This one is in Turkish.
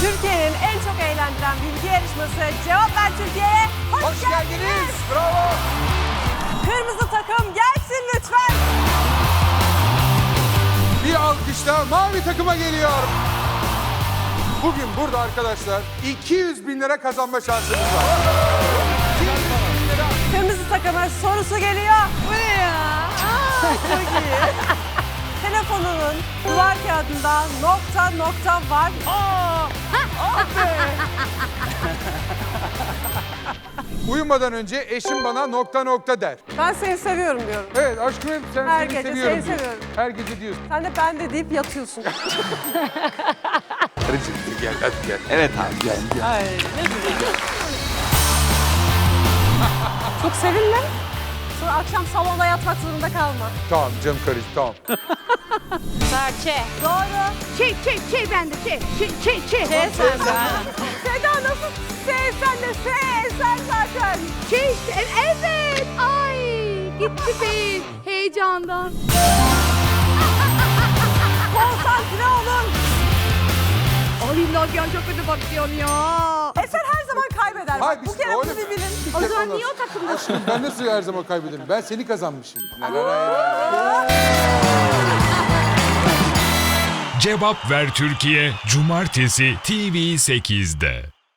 Türkiye'nin en çok eğlendiren bilgi yarışması Cevap Ver Türkiye'ye hoş geldiniz. Bravo. Kırmızı takım gelsin lütfen. Bir alkışla mavi takıma geliyor. Bugün burada arkadaşlar 200 bin lira kazanma şansınız var. 200 bin lira. Kırmızı takımın sorusu geliyor. Bu ne ya? Çok iyi. Telefonunun duvar kağıdında nokta var. Uyumadan önce eşim bana nokta der. Ben seni seviyorum diyorum. Evet aşkım sen Her seni gece seviyorum seni diyor. seviyorum. Her gece diyorsun. Sen de ben de deyip yatıyorsun. Karıcığım gel hadi gel. Evet abi. Gel gel. Ay ne güzel. Çok sevinme. Sonra akşam salonda yatmak zorunda kalma. Tamam canım karıcığım tamam. Serçe. Doğru. Şey bende şey. Sen. Seda nasıl sen de sen zaten. Evet. Ay gitti beyin heyecandan. Konsantre olun. Ay Nagihan çok kötü bakıyorsun ya. Eser her zaman kaybeder. Hayır, Bak, bu biz- kere bunu öyle bir mi? bilin. O zaman niye o takımda? Aşkım ben nasıl her zaman kaybederim? Ben seni kazanmışım. Cevap Ver Türkiye Cumartesi TV8'de.